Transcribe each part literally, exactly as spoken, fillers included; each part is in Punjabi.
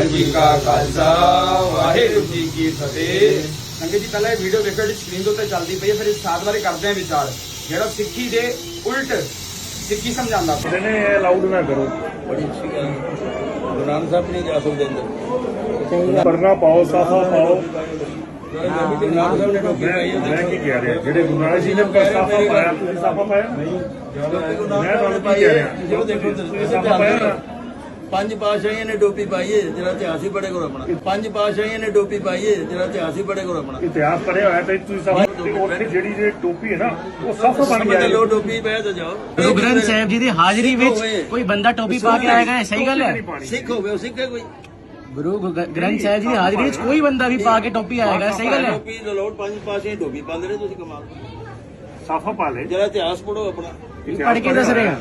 वाहिगुरू जी का खालसा वाहिगुरू जी की फतेह। संगत जी पहले वीडियो देखो जी स्क्रीन तो चलती पई है, फिर इस साथ बारे करते हैं विचार जेड़ा सिक्खी दे उल्ट सिक्खी समझांदा पिया। ने अलाउड ना करो, बड़ी अच्छी गल गुरु नानक साहब नहीं जा सकते अंदर पढ़ना पाओ, साफा पाओ। गुरु नानक साहब ने टोपी पाई है। मैं की कह रहा जेडे गुरु नानक जी ने साफा पाया, तुसीं साफा पाया नहीं? मैं ਤੁਹਾਨੂੰ ਕੀ ਕਹਿ ਰਿਹਾ, जो देखो ਤੁਸੀਂ ਸਾਫਾ ਪਾਇਆ ਨਾ? पंज पातशाहियों ने टोपी पाई है, जरा इतिहास ही पढ़े करो अपना। पंज पातशाहियों ने टोपी पाई है, जरा इतिहास ही पढ़े करो अपना। ਇਤਿਹਾਸ ਪੜਿਆ ਹੋਇਆ ਤੇ ਤੁਸੀਂ ਸਾਫਾ ਉੱਥੇ ਜਿਹੜੀ ਜਿਹੜੀ ਟੋਪੀ ਹੈ ਨਾ ਉਹ ਸਾਫਾ ਬਣ ਗਿਆ। लो टोपी पहन तो जाओ। ਗੁਰੂ ਗ੍ਰੰਥ ਸਾਹਿਬ ਜੀ ਦੀ ਹਾਜ਼ਰੀ ਵਿੱਚ ਕੋਈ ਬੰਦਾ ਟੋਪੀ ਪਾ ਕੇ ਆਏਗਾ, ਸਹੀ ਗੱਲ ਹੈ? सिख हो गए, सिख है कोई ਗੁਰੂ ਗ- ਗ੍ਰੰਥ ਸਾਹਿਬ ਜੀ ਦੀ ਹਾਜ਼ਰੀ ਵਿੱਚ ਕੋਈ ਬੰਦਾ ਵੀ ਪਾ ਕੇ ਟੋਪੀ ਆਏਗਾ, ਸਹੀ ਗੱਲ ਹੈ? टोपी लो पंज पातशाही टोपी पाते रहे, तुम कमाल। ਸਾਫਾ ਪਾ ਲੈ। जरा इतिहास पढ़ो अपना। ਪੜ ਕੇ ਦੱਸ ਰਹੇ ਆ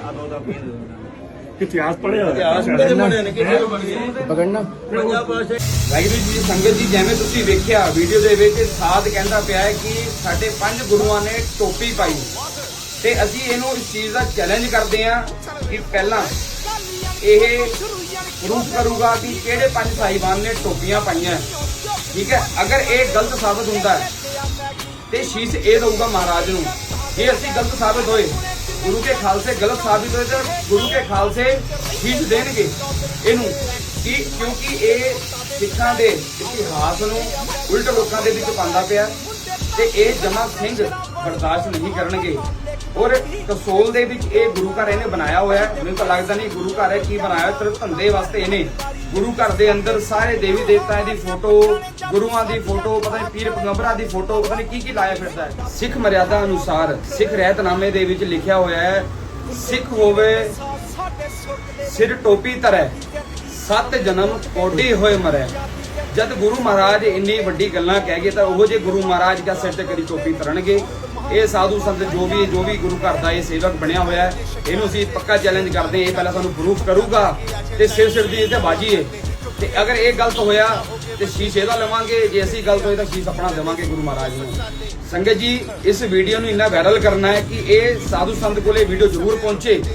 ਇਤਿਹਾਸ ਪੜਿਆ इतिहास ਹੋਇਆ। पढ़े बड़े ने किसे बन गए ਪਕੜਨਾ पंजाब पातशाही। ਵਾਹਿਗੁਰੂ ਜੀ ਸੰਗਤ ਜੀ ਜਿਵੇਂ ਤੁਸੀਂ ਵੇਖਿਆ ਵੀਡੀਓ ਦੇ ਵਿੱਚ ਸਾਧ ਕਹਿੰਦਾ ਪਿਆ ਹੈ ਕਿ ਸਾਡੇ ਪੰਜ ਗੁਰੂਆਂ ਨੇ ਟੋਪੀ ਪਾਈ ਤੇ ਅਸੀਂ ਇਹਨੂੰ ਇਸ ਚੀਜ਼ ਦਾ ਚੈਲੰਜ ਕਰਦੇ ਹਾਂ ਕਿ ਪਹਿਲਾਂ ਇਹ ਪ੍ਰੂਫ ਕਰੂਗਾ ਕਿ ਕਿਹੜੇ ਪੰਜ ਸਾਹਿਬਾਨ ਨੇ ਟੋਪੀਆਂ ਪਾਈਆਂ। ਠੀਕ ਹੈ, ਅਗਰ ਇਹ ਗਲਤ ਸਾਬਤ ਹੁੰਦਾ ਹੈ ਤੇ ਸ਼ੀਸ਼ ਇਹ ਦਊਗਾ ਮਹਾਰਾਜ ਨੂੰ। ਜੇ ਅਸੀਂ ਗਲਤ ਸਾਬਤ ਹੋਏ, ਗੁਰੂ ਕੇ ਖਾਲਸੇ ਗਲਤ ਸਾਬਿਤ ਹੋਏ ਤਾਂ ਗੁਰੂ ਕੇ ਖਾਲਸੇ ਸ਼ੀਸ਼ ਦੇਣਗੇ ਇਹਨੂੰ ਕਿ ਕਿਉਂਕਿ ਇਹ ਸਿੱਖਾਂ ਦੇ ਇਤਿਹਾਸ ਨੂੰ ਉਲਟ ਲੋਕਾਂ ਦੇ ਵਿੱਚ ਪਾਉਂਦਾ ਪਿਆ ਤੇ ਇਹ ਜਮਾ ਸਿੰਘ ਬਰਦਾਸ਼ਤ ਨਹੀਂ ਕਰਨਗੇ। ਔਰ ਕਸੋਲ ਦੇ ਵਿੱਚ ਇਹ ਗੁਰੂ ਘਰ ਇਹਨੇ ਬਣਾਇਆ ਹੋਇਆ ਹੈ। ਮੈਨੂੰ ਤਾਂ ਲੱਗਦਾ ਨਹੀਂ ਗੁਰੂ ਘਰ ਹੈ ਕੀ ਬਣਾਇਆ, ਸਿਰਫ ਧੰਦੇ ਵਾਸਤੇ ਇਹਨੇ ਗੁਰੂ ਘਰ ਦੇ ਅੰਦਰ ਸਾਰੇ ਦੇਵੀ ਦੇਵਤਾਂ ਦੀ ਫੋਟੋ, ਗੁਰੂਆਂ ਦੀ ਫੋਟੋ, ਪਤਾ ਨਹੀਂ ਪੀਰ ਪੈਗੰਬਰਾਂ ਦੀ ਫੋਟੋ, ਪਤਾ ਨਹੀਂ ਕੀ ਕੀ ਲਾਇਆ ਫਿਰਦਾ ਹੈ। ਸਿੱਖ ਮਰਿਆਦਾ ਅਨੁਸਾਰ ਸਿੱਖ ਰਹਿਤਨਾਮੇ ਦੇ ਵਿੱਚ ਲਿਖਿਆ ਹੋਇਆ ਹੈ, ਸਿੱਖ ਹੋਵੇ ਸਿਰ ਟੋਪੀ ਧਰੈ, ਸੱਤ ਜਨਮ ਕੋਡੀ ਹੋਏ ਮਰੈ। ਜਦ ਗੁਰੂ ਮਹਾਰਾਜ ਇੰਨੀ ਵੱਡੀ ਗੱਲਾਂ ਕਹਿ ਗਏ ਤਾਂ ਉਹ ਜੇ ਗੁਰੂ ਮਹਾਰਾਜ ਦਾ ਸਿਰ ਤੇ ਕਦੀ ਟੋਪੀ ਧਰਨਗੇ। ਇਹ ਸਾਧੂ ਸੰਤ ਜੋ ਵੀ ਜੋ ਵੀ ਗੁਰੂ ਘਰ ਦਾ ਇਹ ਸੇਵਕ ਬਣਿਆ ਹੋਇਆ ਹੈ, ਇਹਨੂੰ ਅਸੀਂ ਪੱਕਾ ਚੈਲੰਜ ਕਰਦੇ ਹਾਂ। ਇਹ ਪਹਿਲਾਂ ਸਾਨੂੰ ਪ੍ਰੂਫ ਕਰੂਗਾ ਤੇ ਸਿਰ ਸਿਰ ਦੀ ਇਹਦੇ ਬਾਜੀ ਹੈ ਤੇ ਅਗਰ ਇਹ ਗਲਤ ਹੋਇਆ ਤੇ ਸ਼ੀਸ਼ ਇਹਦਾ ਲਵਾਂਗੇ, ਜੇ ਅਸੀਂ ਗਲਤ ਹੋਏ ਤਾਂ ਸ਼ੀਸ਼ ਆਪਣਾ ਦੇਵਾਂਗੇ ਗੁਰੂ ਮਹਾਰਾਜ ਨੂੰ। ਸੰਗਤ ਜੀ ਇਸ ਵੀਡੀਓ ਨੂੰ ਇੰਨਾ ਵਾਇਰਲ ਕਰਨਾ ਹੈ ਕਿ ਇਹ ਸਾਧੂ ਸੰਤ ਕੋਲੇ ਵੀਡੀਓ ਜ਼ਰੂਰ ਪਹੁੰਚੇ।